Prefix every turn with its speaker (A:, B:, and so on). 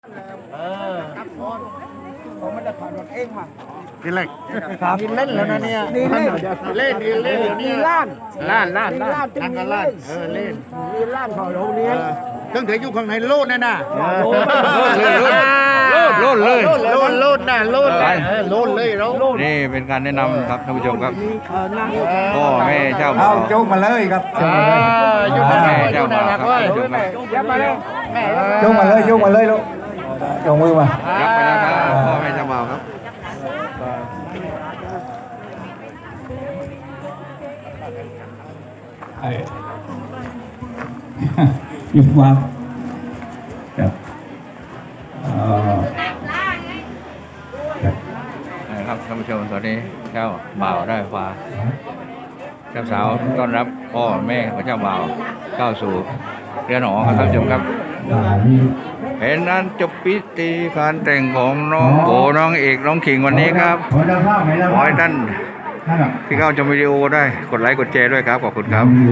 A: ผมไม่ได้ผ่านรถเองมา
B: กินเล็ก
A: กินเล่นแล้วนะเนี่ยนี่เล่น
B: เล่นเดี๋ยวนี้
A: มีล้าน
B: ล้าน
A: มีล้าน
B: นั่นก็ล้านเล่น
A: มีล้านของโรงเรียน
B: เครื่องถืออยู่ข้างในโลดน่ะโลดเลยโลดโลดน่ะโลดโลดเลยเรา
C: นี่เป็นการแนะนำครับท่านผู้ชมครับ
A: มีนั่ง
C: พ่อแม่เจ้าบ่า
D: เอา
C: ว
D: โจกมาเลยครับ
B: อยู่ข้างใน
C: แม่เจ้าบ่าวครับท่านผู้ชมครับ
A: ยับมาเลยแม่
D: โจกมาเลยโจกมาเลยลูกโจกมือมา
C: รับไปแล้วครับพ่อแม่เจ้าบ่าวครับ
D: หยุดวางครับครับ
C: นะครับท่านผู้ชมตอนนี้เจ้าบ่าวได้ฟ้าเจ้าสาวต้อนรับพ่อแม่ของเจ้าบ่าวเข้าสู่เรือนหอครับท่านผู้ชมครับเห็นนั้นจบพิธีการแต่งของน้องโบน้องเอกน้องขิงวันนี้ครับ
D: ขอเจ้าภาพไหนแล้ว
C: ขอให้ท่านที่เข้าชมวิดีโอได้กดไลค์กดแชร์ด้วยครับขอบคุณครับ